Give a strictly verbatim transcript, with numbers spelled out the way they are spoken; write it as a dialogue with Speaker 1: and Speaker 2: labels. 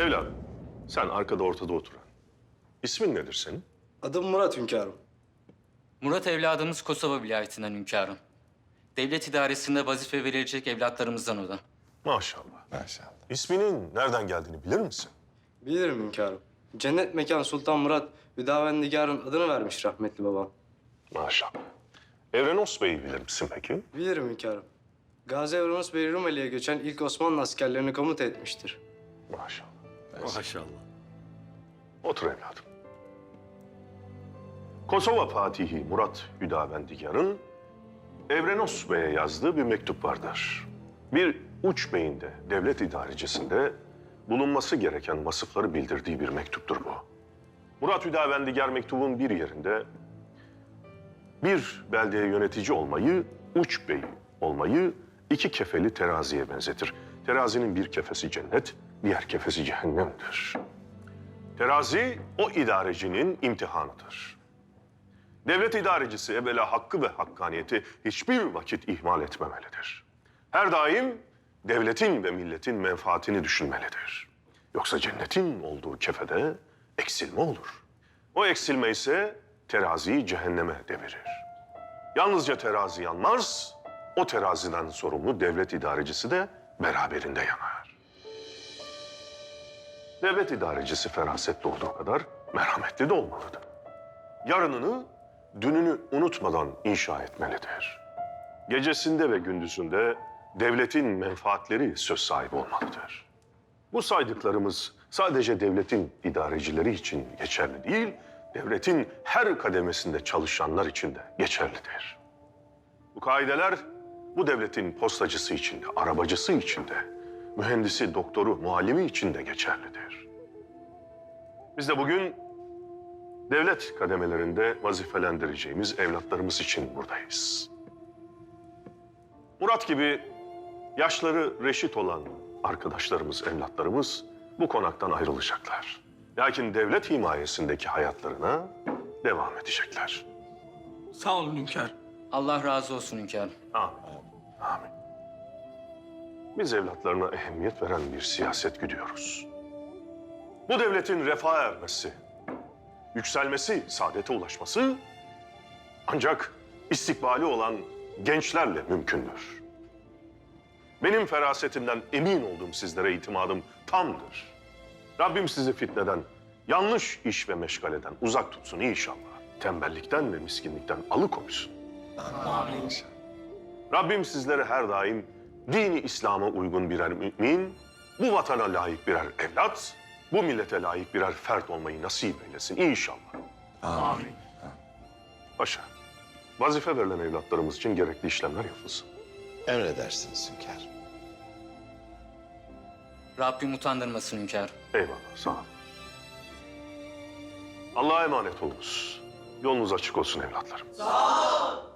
Speaker 1: Evladım, sen arkada ortada oturan. İsmin nedir senin?
Speaker 2: Adım Murat hünkârım.
Speaker 3: Murat evladımız Kosova vilayetinden hünkârım. Devlet idaresinde vazife verilecek evlatlarımızdan o da.
Speaker 1: Maşallah.
Speaker 4: Maşallah.
Speaker 1: İsminin nereden geldiğini bilir misin?
Speaker 2: Bilirim hünkârım. Cennet mekan Sultan Murat, Hüdavendigar'ın adını vermiş rahmetli babam.
Speaker 1: Maşallah. Evrenos Bey'i bilir misin peki?
Speaker 2: Bilirim hünkârım. Gazi Evrenos Bey Rumeli'ye göçen ilk Osmanlı askerlerini komuta etmiştir.
Speaker 1: Maşallah.
Speaker 5: Maşallah.
Speaker 1: Otur evladım. Kosova Fatihi Murat Hüdavendigar'ın Evrenos Bey'e yazdığı bir mektup vardır. Bir uç beyinde, devlet idarecisinde bulunması gereken vasıfları bildirdiği bir mektuptur bu. Murat Hüdavendigar mektubun bir yerinde bir beldeye yönetici olmayı, uç bey olmayı iki kefeli teraziye benzetir. Terazinin bir kefesi cennet, diğer kefesi cehennemdir. Terazi o idarecinin imtihanıdır. Devlet idarecisi evvela hakkı ve hakkaniyeti hiçbir vakit ihmal etmemelidir. Her daim devletin ve milletin menfaatini düşünmelidir. Yoksa cennetin olduğu kefede eksilme olur. O eksilme ise teraziyi cehenneme devirir. Yalnızca terazi yanmaz, o teraziden sorumlu devlet idarecisi de beraberinde yanar. Devlet idarecisi ferasetli olduğu kadar merhametli de olmalıdır. Yarınını, dününü unutmadan inşa etmelidir. Gecesinde ve gündüzünde devletin menfaatleri söz sahibi olmalıdır. Bu saydıklarımız sadece devletin idarecileri için geçerli değil, devletin her kademesinde çalışanlar için de geçerlidir. Bu kaideler bu devletin postacısı için de, arabacısı için de, mühendisi, doktoru, muallimi için de geçerlidir. Biz de bugün devlet kademelerinde vazifelendireceğimiz evlatlarımız için buradayız. Murat gibi yaşları reşit olan arkadaşlarımız, evlatlarımız bu konaktan ayrılacaklar. Lakin devlet himayesindeki hayatlarına devam edecekler.
Speaker 5: Sağ olun hünkâr.
Speaker 3: Allah razı olsun hünkârım.
Speaker 1: Amin. Amin. Biz evlatlarına ehemmiyet veren bir siyaset güdüyoruz. Bu devletin refaha ermesi, yükselmesi, saadete ulaşması ancak istikbali olan gençlerle mümkündür. Benim ferasetimden emin olduğum sizlere itimadım tamdır. Rabbim sizi fitneden, yanlış iş ve meşgaleden uzak tutsun inşallah. Tembellikten ve miskinlikten alıkoysun.
Speaker 4: Amin.
Speaker 1: Rabbim sizlere her daim dini İslam'a uygun birer mümin, bu vatana layık birer evlat, bu millete layık birer fert olmayı nasip eylesin inşallah.
Speaker 4: Amin.
Speaker 1: Paşa, vazife verilen evlatlarımız için gerekli işlemler yapılsın.
Speaker 4: Emredersiniz hünkârım.
Speaker 3: Rabbim utandırmasın hünkârım.
Speaker 1: Eyvallah, sağ ol. Allah'a emanet olunuz. Yolunuz açık olsun evlatlarım.
Speaker 6: Sağ ol.